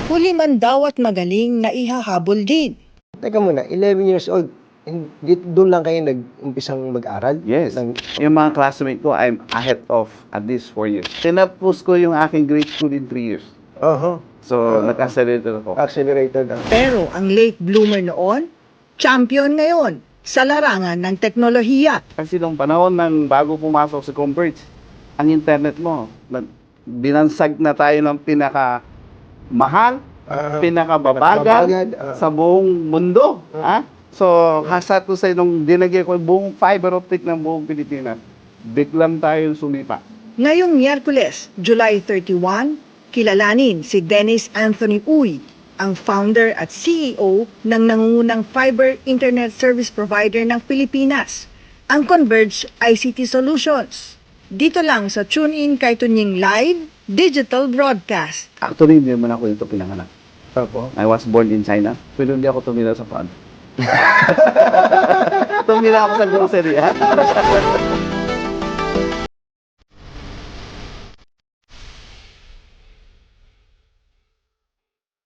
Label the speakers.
Speaker 1: Huli man daw at magaling na ihahabol din.
Speaker 2: Teka muna, 11 years old, doon lang kayo nag-umpisang mag-aral?
Speaker 3: Yes. Yung mga classmate ko, I'm ahead of at least 4 years. Tinapos ko yung aking grade school in 3 years. So, nag-accelerator ako.
Speaker 2: Accelerated.
Speaker 1: Pero ang late bloomer noon, champion ngayon sa larangan ng teknolohiya.
Speaker 3: Kasi nung panahon ng bago pumasok sa Converge, ang internet mo, binansag na tayo ng pinaka-mahal, pinaka-babagal sa buong mundo. So, hasat ko sa nung dinagay ko yung buong fiber optic ng buong Pilipinas, biglang tayo sumipa.
Speaker 1: Ngayong Miyerkules, July 31, kilalanin si Dennis Anthony Uy, ang founder at CEO ng nangungunang fiber internet service provider ng Pilipinas, ang Converge ICT Solutions. Dito lang sa TuneIn kay Tunying Live Digital Broadcast.
Speaker 3: Actually, hindi naman ako dito pinanganak.
Speaker 2: Opo.
Speaker 3: I was born in China, pero hindi ako tumira sa paan. Tumira ako sa grocery, ha?